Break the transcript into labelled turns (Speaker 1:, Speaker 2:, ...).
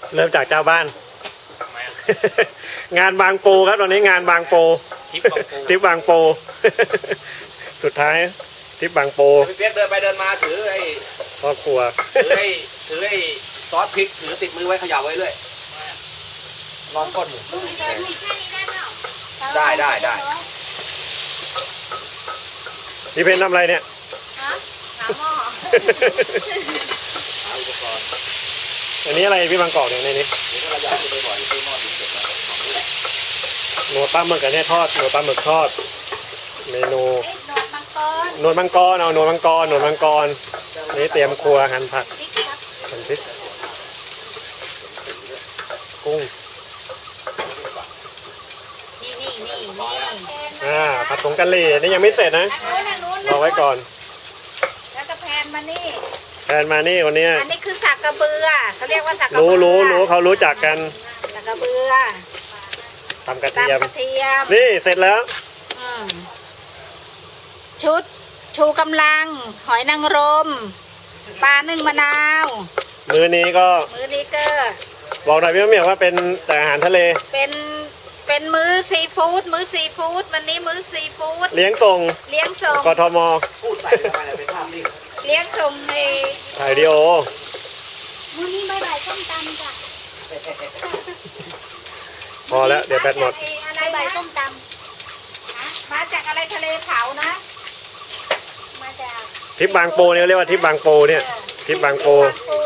Speaker 1: เริ่มจากเจ้าบ้าน
Speaker 2: ทำไมอะ
Speaker 1: งานบางปูครับตอนนี้งานบางปู
Speaker 2: ทิปบางปู
Speaker 1: ทริปบางปู สุดท้ายทริปบางปู
Speaker 3: พี่เปี๊ยกเดินไปเดินมาถือไอ้
Speaker 1: ครอบครัว
Speaker 3: ถือไอ้ซอสพริกถือติดมือไว้เขย่าไว้เรื่อยร้อนก้นอยู่
Speaker 4: ลุงเดินมีแค่นี้ได้เปล่า
Speaker 3: ได้
Speaker 1: พี่เพนทำอะไรเนี่ย
Speaker 4: ฮะหาหม้อ
Speaker 3: หาอุปกรณ์
Speaker 1: อันนี้อะไรพี่บางกอกเนี่ยในนี้
Speaker 3: เดี๋ยวก็ระยะจะไปบ่อยซื้อหม้อดินเสร็จแล้ว
Speaker 1: หนวดปลาหมึกอันนี้ทอดหนวดปลาหมึกทอด เมนู
Speaker 4: เอ้ยหนวดมังกร
Speaker 1: หนวดมังกรเอาหนวดมังกรหนวดมังกรนี่เตรียมครัวหั่นผัก
Speaker 4: พริกครับ
Speaker 1: หั่นพริกกุ้ง
Speaker 4: นี่
Speaker 1: ผัดผงกะหรี่นี่ยังไม่เสร็จนะ
Speaker 4: อันนู้น
Speaker 1: รอไว้ก่อน
Speaker 4: แล้วก็แพนมานี่
Speaker 1: แทนมานี่คนเนี้ย
Speaker 4: อันนี้คือสักกระเบือเขาเรียกว่าสักกระ
Speaker 1: รู้
Speaker 4: เบือ
Speaker 1: รู้เขารู้จักกัน
Speaker 4: สักกระเบือ
Speaker 1: ทำกระเทียม
Speaker 4: ตำกระเทียม
Speaker 1: นี่เสร็จแล้ว
Speaker 4: อืมชุดชูกำลัง หอยนางรมปลานึ่งมะนาว
Speaker 1: มื้อนี้ก็
Speaker 4: มื้อนี้ก็
Speaker 1: บอกหน่อยพี่มะเหมียวว่าเป็นแต่อาหารทะเล
Speaker 4: เป็นมื้อซีฟู้ดวันนี้มื้อซีฟู้ด
Speaker 1: เลี้ยงส่ง
Speaker 4: เลี้ยงส่ง
Speaker 1: กทม
Speaker 3: พูดใส่เข้าไปเลยเป็นภาพนิ่ง
Speaker 4: เลี้ยงส่งใน
Speaker 1: ถ่ายวิดีโอ
Speaker 4: มื้อนี้บ่ายๆส้มตำจ้ะ
Speaker 1: พอแล้วเดี๋ยวแบตหมด
Speaker 4: อะไรบ่ายส้มตำมาจากอะไรทะเลเผานะ มาจาก
Speaker 1: ทริปบางปูเนี่ยเรียกว่าทริปบางปูเนี่ยทริปบางปู
Speaker 4: ปู